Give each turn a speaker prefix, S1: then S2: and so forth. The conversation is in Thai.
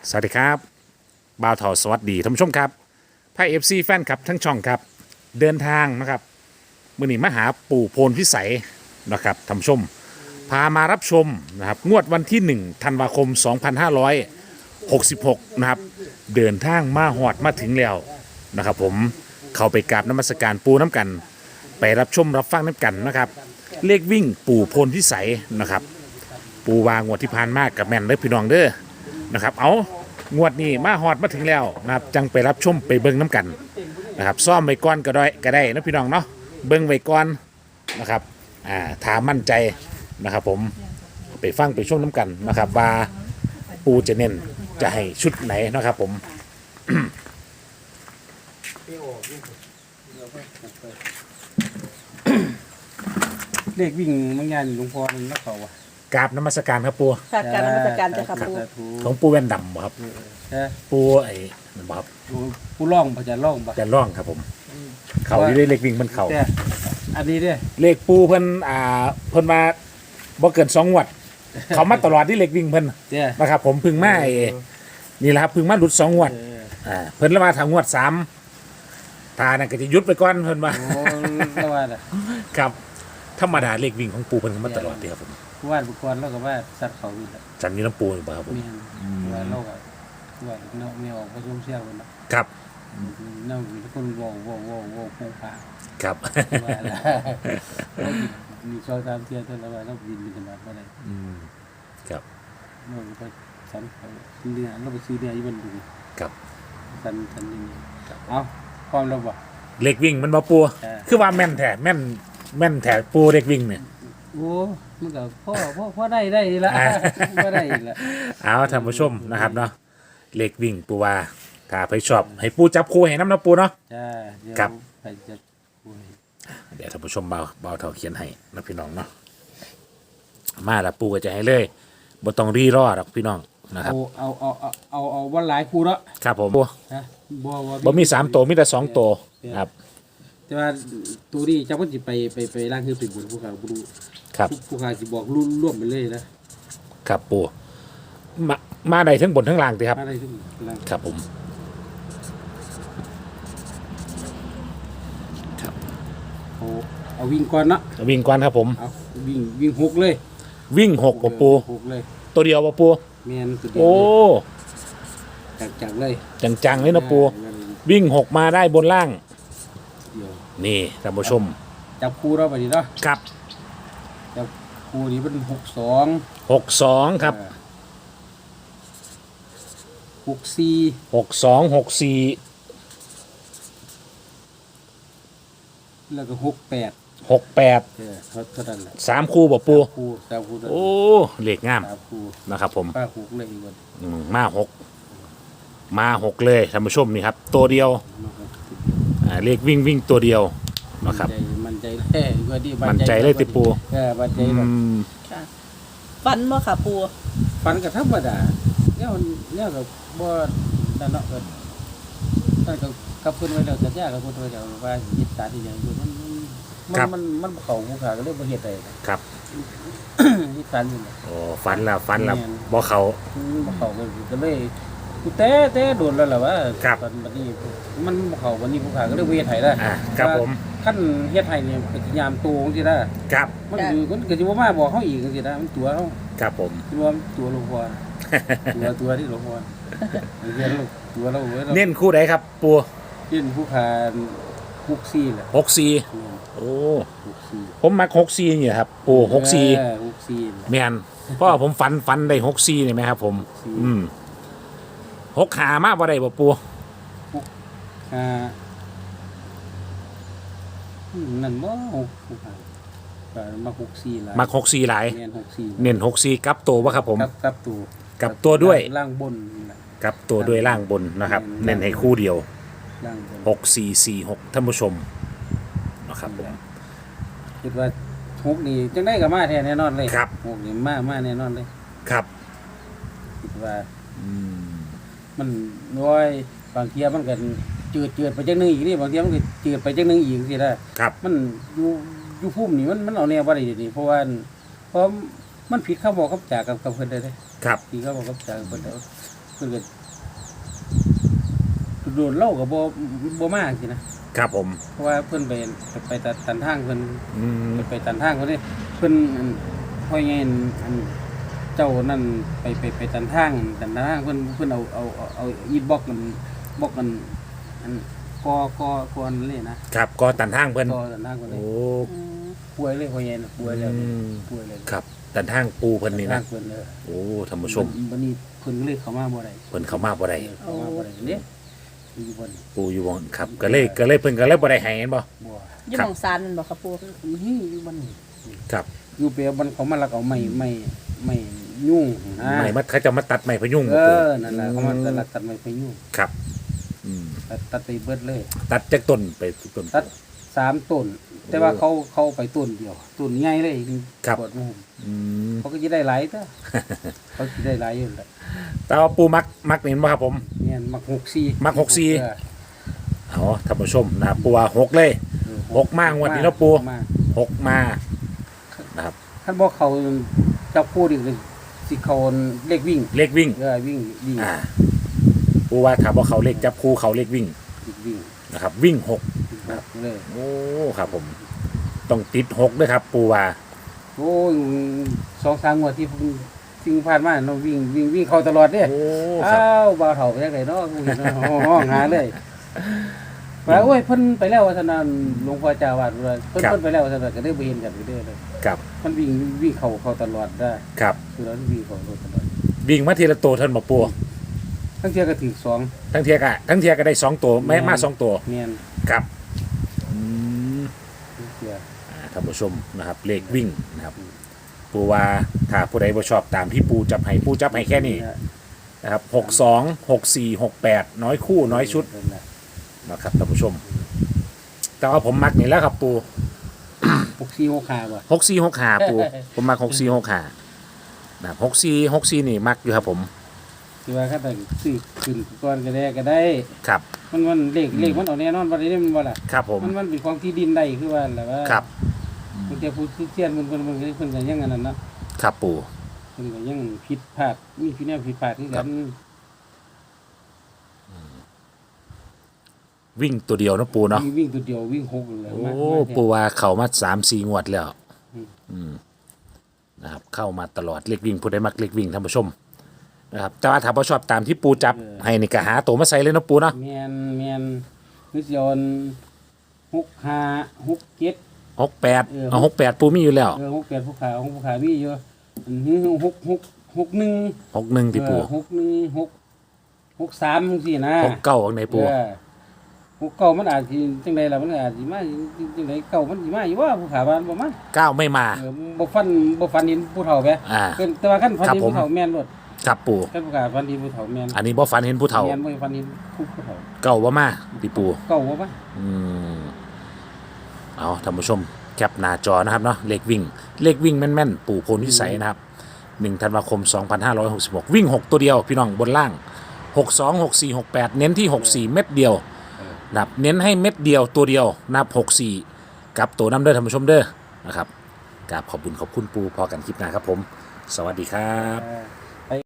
S1: สวัสดีครับบ่าวเถาสวัสดีท่านผู้ชมครับไพ่เอฟซีแฟนครับทั้งช่องครับเดินทางนะครับมื่อนี้มาหาปู่โพนพิสัยนะครับท่านผู้ชมพามารับชมนะครับงวดวันที่1ธันวาคม2566นะครับเดินทางมาหอดมาถึงแล้วนะครับผมเข้าไปกราบนมัสการปูน้ำกัน ไปรับชมรับฟังน้ำกันนะครับเลขวิ่งปู่โพนพิสัยนะครับปูวางงวดที่ผ่านมากกับแม่นเด้อพี่น้องเด้อนะครับเอางวดนี้มาฮอดมาถึงแล้วนะครับจังไปรับชมไปเบิ่งน้ำกันนะครับซ่อมไว้ก่อนก็ได้นะพี่น้องเนาะเบิ่งไว้ก่อนนะครับถามมั่นใจนะครับผมไปฟังไปชมน้ำกันนะครับว่าปูจะเน้นจะให้ชุดไหนนะครับผม
S2: เลขวิ่งบางอย่างหลวงพ่อมันนักเขาว่ะ
S1: กราบนมัสการครับปู
S3: ค่ะการนมัสการเจ้าค่ะปู
S1: ของปูแว่นดำบ่ครับ
S2: ใช่
S1: ปูไอ้นั่นบ่ครับ
S2: ผู้ร่องพระจะร่องปะ
S1: จะร่องครับผมเขาอยู่ได้เลขวิ่งมันเขา
S2: แต่อันนี้เนี่ย
S1: เลขปูเพิ่นเพิ่นมาบ่เกิน2งวด เขามาตลอดที่เลขวิ่งเพิ่น
S2: เนี่ย
S1: นะครับผมเพึ่งมานี่แหละครับเพึ่งมาหลุด2งวดเพิ่นแล้วมาทางงวด3ทานั่นก็จะหยุดไปก่อนเพิ่นว่า
S2: โอ้แล้วว่าน่ะ
S1: ครับธรรมดาเลขวิ่งของปูเพิ่นก็มาตลอดเด้ครับผม
S2: ผู้ว่าบุคคลเราก็ว่าสัตว์เขาอยู่แล้ว
S1: จันนี้น้ำปูอยู่บ่ครับผม
S2: มีว่าเราก็ว่าเนาะไม่ออกผสมเสี้ยวกันนะครับ เนาะมีคนโว้โป่งปาก
S1: ครับ
S2: ว่าแล้วมีซอยตามเที่ยวเท่านั้นว่าเราบินบินมาบ่ได้
S1: ครับ
S2: เราก็สันเขาซื้อเนี่ยเราไปซื้อเนี่ยอยู่บนดู
S1: ครับ
S2: สันอย่างนี้เอาความเราบ่
S1: เลขวิ่งมันบ่ปู คือว่าแม่นแท้แม่นแท้ปูเลขวิ่งเนี่ย
S2: โอ้มันก็พ่อได้ละพ่อได้ละ
S1: เอาท่านผู้ชมนะครับเนาะเลขวิ่งปูว่าถ้าไปชอบให้ปูจับคู่ให้น้ำนะปูเนาะ
S2: จ้าเดี๋ยว
S1: ครับ
S2: ไปจะป่วย
S1: เดี๋ยวท่านผู้ชมเบาเท่าเขียนให้นะพี่น้องเนาะมาแล้วปูก็จะให้เลยบ่ต้องรีรอดอกพี่น้องนะครับ
S2: เอาวันหลายครูละ
S1: ครับผม
S2: นะ
S1: บ่มี3ตัวมีแต่2ตัวครับ
S2: แต่ว่าตัวนี้เจ้าก็จะไปร่างคือเป็นบุญผู้ขาบุญ
S1: ครับ
S2: ผู้ขาจะบอกร่วมไปเลยนะครับ
S1: ปูมาได้ทั้งบนทั้งล่างติครับ
S2: อะไรทุกร่าง
S1: ครับผม
S2: เอาวิ่งก่อนนะ
S1: วิ่งก่อนครับผม
S2: เอาวิ่งหกเลย
S1: วิ่ง6บ่ปู
S2: หกเลย
S1: ตัวเดียวบ่ปู
S2: แมนสุดเดียว
S1: โอ้
S2: จังเลย
S1: จังๆเลยนะปูวิ่ง6มาได้บนล่าง
S2: เดียว
S1: นี่ท่านผู้ชม
S2: จับคู่เราไปดีเนาะ
S1: ครับ
S2: จับคู่นี้เป็น
S1: 62ครับ
S2: 64
S1: 62 64
S2: แล้วก็68
S1: 68
S2: เท่านั้นแหละ
S1: 3คู่บ่ปู
S2: คู่สามคู่
S1: โอ้เลขงาม
S2: สามคู่
S1: นะครับผม
S2: ป้าคู่เลยอีกวัน
S1: มาหกเลยท่านผู้ชมนี่ครับ ตัวเดียวเลขวิ่งตัวเดียวนะครับ
S2: มันใจแท้ก็ดี
S1: มั่นใจเลยติปู
S2: มันใจ
S1: อื
S2: แบบ
S1: ม
S3: ค่ะฟันบ่ค่ะปู
S2: ฟันก็ธรรมดาเนี่ยก็บ่นั่นเนาะก็นั่นก็กับเพิ่นไว้แล้วสัญญากับเพิ่นไว้แล้วว่ายึดตาที่อย่างอยู่มันเข้าผู้ขาก็เลยบ่เฮ็ดได้
S1: ครับ
S2: ยึดตาอยู่
S1: โอ้ฟันแล้วบ่เขา
S2: บ่เข้าก็เลยกูแต่โดนแล้วล่ะว่า
S1: ครับ
S2: ตอนบัดนี้มันบ่เข้าวันนี้ผู้ขาก็เลยเฮ็ดให้ได้
S1: ครับผม
S2: ขั้นเฮ็ดให้เนี่ยก็สิยามตัวจังซี่ได้
S1: ครับ
S2: มันคือมันก็สิบ่มาบอกเฮาอีกจังซี่ได้มันตัวเฮา
S1: ครับผม
S2: รวมตัวหลวงพ่อตัวที่หลวงพ่อเรียนตัวเราเว้ยเรา
S1: เน้นคู่ไหนครับ ปู
S2: เล่นผู้ขาคุกซี่แหละ
S1: 64โอ้
S2: คุกซี่
S1: ผมมัก64นี่ครับปู64
S2: คุกซี่
S1: แม่นเพราะว่าผมฟันได้64นี่ไหมครับผม6ขามาบ่ได้บ่ปู
S2: อ่านั่นบ่ผู้ขาก็มาคุกซี่ล่ะ
S1: มัก64หลาย
S2: เรียนคุกซี่
S1: เน้น64กับตัวบ่ครับผม
S2: กับตัว
S1: กับตัวด้วย
S2: ล่างบนน่ะ
S1: กับตัวด้วยล่างบนนะครับ เน้นให้คู่เดียว
S2: ล่างบน
S1: 6446ท่านผู้ชมนะครับผม
S2: คิดว่าฮุกนี่จังได้ก็มาแท้แน่นอนเลย
S1: ครับ
S2: ฮุกนี่มาแน่นอนเลย
S1: ครับ
S2: คิดว่ามันน้อยบางเทียมันก็จืดไปจังนึงอีกนี่บางเทียมันก็จืดไปจังนึงอีกสิได้
S1: ครับ
S2: มันอยู่ภูมินี่มันเอาแนวบ่ได้นี่เพราะว่ามันผิดคำบอกคำจากกับเพิ่นได้เด้
S1: ครับ
S2: ผิดคำบอกคำจากกับเพิ่นได้เพิ่นก็โดนเล่ากับบ่มากสินะครับ
S1: ผม
S2: เพราะว่าเพิ่นไปตันทางเพิ่น
S1: อืม
S2: ไปตันทางเพิ่นนี่เพิ่นพ่อใหญ่อันเจ้านั่นไปตันทางเพิ่นเอาอีบล็อกกันอันกอนั่นเลยนะครับ
S1: ก็ตันทางเพิ่น
S2: กอตันทางเพิ่นเลย
S1: โอ้
S3: อืม
S2: ป่วยเลยพ่อใหญ่น่ะป่วยแล้ว
S1: อืม
S2: ป่วยเลย
S1: ครับตันทางปูเพิ่นนี่
S2: ตั
S1: นะ
S2: นทางเพิ่นเลย
S1: โอ้ท่านผู้ชม
S2: วันนี้เพิ่นก็เลยเข้ามาบ่ได้
S1: เพิ่นเข้ามาบ่ได้
S2: เข้ามาบ่ได้เนี่ยอยู่บน
S1: ปูอยู่บ่ครับก็เลยเพิ่นก็เลยบ่ได้ให้เห็นบ่
S2: บ่
S3: อยู่หม่องซานนั่นบ่ค่ะปู
S2: นี่อยู่บนนี่
S1: ครับ
S2: อยู่เปียบันเขามาลักเอาไม่ยุ่งนะ
S1: ไม่มาเขาจะมาตัดไม้พยุง
S2: เอ
S1: บ่ปู
S2: อนั่นแหละเขามาลักตัดไม้ไปยุ่ง
S1: ครับอืม
S2: ตัดไปเบิดเลย
S1: ตัดจากต้นไปทุกต้น
S2: ตัด3ต้น แต่ว่าเขาไปต้นเดียวต้นใหญ่เลย
S1: ครับ
S2: ปวดมุม
S1: อืม
S2: เขาก็จะได้หลายตัวเขาจะได้หลายอยู่แหละ
S1: แต่ว่าปูมักนี่เห็นบ่ครับผม
S2: เนี่ยมัก64
S1: มัก64
S2: เออ
S1: เอาท่านผู้ชมนะครับปูว่า6เลย6มางวดนี้เนาะปู
S2: มา
S1: 6มานะครับ
S2: คันบ่เขาจับคู่ดิสิเขาเลขวิ่ง
S1: เลขวิ่ง
S2: วิ่ง
S1: อ่าปูว่าถ้าบ่เขาเลขจับคู่เขาเลขวิ่ง
S2: วิ่ง
S1: นะครับ วิ่ง6
S2: เลย
S1: โอ้ครับผมต้องติด6ด้วยครับ ปูว่า
S2: โอ้ย2-3งวดที่สิ่งผ่านมาเนาะวิ่งเข้าตลอดเด้
S1: โอ้ค
S2: อ้า
S1: รับ
S2: วบ่าวเฒ่าไปจังไดเนาะกูเห็นเนาะห้องหาเลยว่าโอ้ยเพิ่นไปแล้วว่าซั่นน่ะหลวงพ่อเจ้าวาดว่าเพิ่นไปแล้วว่าซั่นน่ะก็ได้บ่เห็นกันเด้อเลย
S1: ครับ
S2: มันวิ่งเข้าตลอดได้
S1: ครับ
S2: คือเราวิ่งเข้าตลอด
S1: วิ่งมาทีละตัวท่านบ่ปู
S2: ทั้งเที่ยก็ถึง2
S1: ทั้งเทียก็ได้2ตัวไม่มา2ตัว
S2: แม่น
S1: ครับอืม
S2: ทั้งเที่ย
S1: ท่านผู้ชมนะครับเลขวิ่งนะครับปูว่าถ้าผู้ใดบ่ชอบตามที่ปูจับให้แค่นี้นะครับ62 64 68น้อยคู่น้อยชุดนะครับท่านผู้ชม แต่ว่าผมมักนี่แหล้วครับปู
S2: 64 65บ่
S1: 6465ปูผมมัก6465นะครับ64นี่มักอยู่ครับผม
S2: ที่ว่าคันซื้อขึ้นก่อนก็ได้
S1: ครับ
S2: มันเลขมันเอาแน่นอนบ่ได้มันบ่ล่ะ
S1: ครับผม
S2: มันเป็นของที่ดินได้คือว่าแหละว่า
S1: ครับ
S2: บางทีผู้เชี่ยวชาญเพิ่นก็ยังอันนั้นเนาะ
S1: ครับปู
S2: เพิ่นก็ยังผิดพลาดมีแนวผิดพลาดคือกัน
S1: วิ่งตัวเดียวนะปูเนาะ
S2: วิ่งตัวเดียววิ่งหกเลย
S1: โอ้
S2: มา
S1: ปูว่าเขามา3-4 งวดแล้ว
S2: อืม
S1: อืมนะครับเข้ามาตลอดเลขวิ่งผู้ใดมักเลขวิ่งท่านผู้ชมนะครับแต่ว่าถ้าบ่ชอบตามที่ปูจับให้นี่ก็หาตัวมาใส่เลยเนาะปูเนาะ
S2: แม่นคือสิเอา65 67
S1: 68เอา68ปูมีอยู่แล้ว
S2: 68ผู้ขามีอยู่อันนี้61
S1: 61ที่ปู
S2: 61 63จังซี่นะ
S1: 69ข้างในปู
S2: เก่ามันอาจสิจังไดล่ะมันอาจสิมาจังไดเก่ามันสิมาอยู่ว่าผู้ขาบ้านบ่มา
S1: 9ไม่มา
S2: บ่ฟันเห็นผู้เฒ่าแหม
S1: อ่า
S2: แต่ว่าคันฟัน
S1: ครับ
S2: เห็น
S1: ผม
S2: ผู้เฒ่าแม่นโลด
S1: ครับปู
S2: คันผู้ขาฟันเห็นผู้เฒ่าแม่น
S1: อันนี้บ่ฝันเห็นผู้เฒ่า
S2: แม่นบ่ฟันเห็นผู้เฒ่า
S1: เก่าบ่มาที่ปู
S2: เก่าบ่มา
S1: อืมเอาท่านผู้ชมแคปหน้าจอนะครับเนาะเลขวิ่งแม่นๆปู่โพนวิสัยนะครับ1ธันวาคม 2566 วิ่ง 6 ตัวเดียวพี่น้องบนล่าง 62 64 68 เน้นที่ 64 เม็ดเดียวนะครับเน้นให้เม็ดเดียวตัวเดียวนับ 64 กับตัวน้ำเด้อท่านผู้ชมเด้อนะครับกราบขอบคุณปู่พอกันคลิปหน้าครับผม สวัสดีครับ
S2: อ่า